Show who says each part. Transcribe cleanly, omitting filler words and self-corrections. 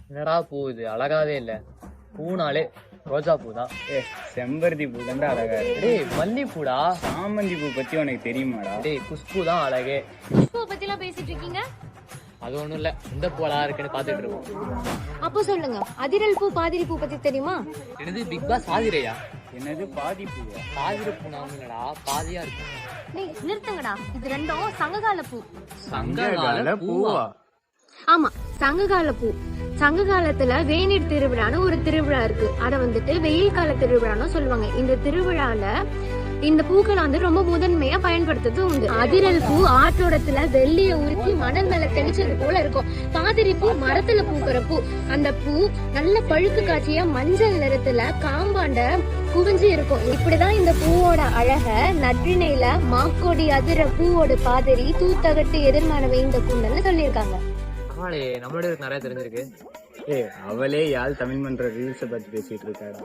Speaker 1: என்னடா பூ இது, அழகாவே இல்ல. பூனாலே ரோஜா பூ தான்.
Speaker 2: செம்பருத்தி பூ தான்டா அழகா இருக்கு.
Speaker 1: டேய் மல்லிப்பூடா.
Speaker 2: சாமந்தி பூ பத்தி உனக்கு தெரியுமாடா?
Speaker 1: டேய் குஷ்பூ தான் அழகே.
Speaker 3: குஷ்பூவை பத்தி எல்லாம் பேசிட்டு இருக்கீங்க.
Speaker 1: அது ஒண்ணும் இல்ல, இந்த பூ அழகா இருக்குன்னு பாத்துட்டு இருக்கோம்.
Speaker 3: அப்போ சொல்லுங்க, அதிரல் பூ பாதிரி பூ பத்தி தெரியுமா?
Speaker 1: என்னது பிக் பாஸ் பாதிரையா?
Speaker 2: என்னது பாதி பூவா?
Speaker 1: பாதிர பூ நாமடா, பாதியா இருக்கு.
Speaker 3: டேய் நிறுத்துங்கடா, இது ரெண்டும் சங்ககால பூ.
Speaker 1: சங்ககால பூவா?
Speaker 3: ஆமா, சங்ககால பூ. சங்க காலத்துல வேநீர் திருவிழான்னு ஒரு திருவிழா இருக்கு. அத வந்துட்டு வெயில் கால திருவிழான்னு சொல்லுவாங்க. இந்த திருவிழால இந்த பூக்களை ரொம்ப முதன்மையா பயன்படுத்துறது உண்டு. அதிரல் பூ ஆற்றோடத்துல வெள்ளிய உருக்கி மணல் மேல தெளிச்சது போல இருக்கும். பாதிரி பூ மரத்துல பூக்கிற பூ. அந்த பூ நல்ல பழுப்பு காட்சியா மஞ்சள் நிறத்துல காம்பாண்ட குவிஞ்சு இருக்கும். இப்படிதான் இந்த பூவோட அழக நற்றிணையில மாக்கோடி அதிர பூவோட பாதிரி தூத்தகட்டு எதிர்மான வேந்த கூண்டல்னு சொல்லியிருக்காங்க.
Speaker 1: நம்மளோட நிறைய தெரிஞ்சிருக்கு.
Speaker 2: அவளே யாழ் தமிழ் மன்ற ரீல்ஸ பத்தி பேசிட்டு இருக்காடா.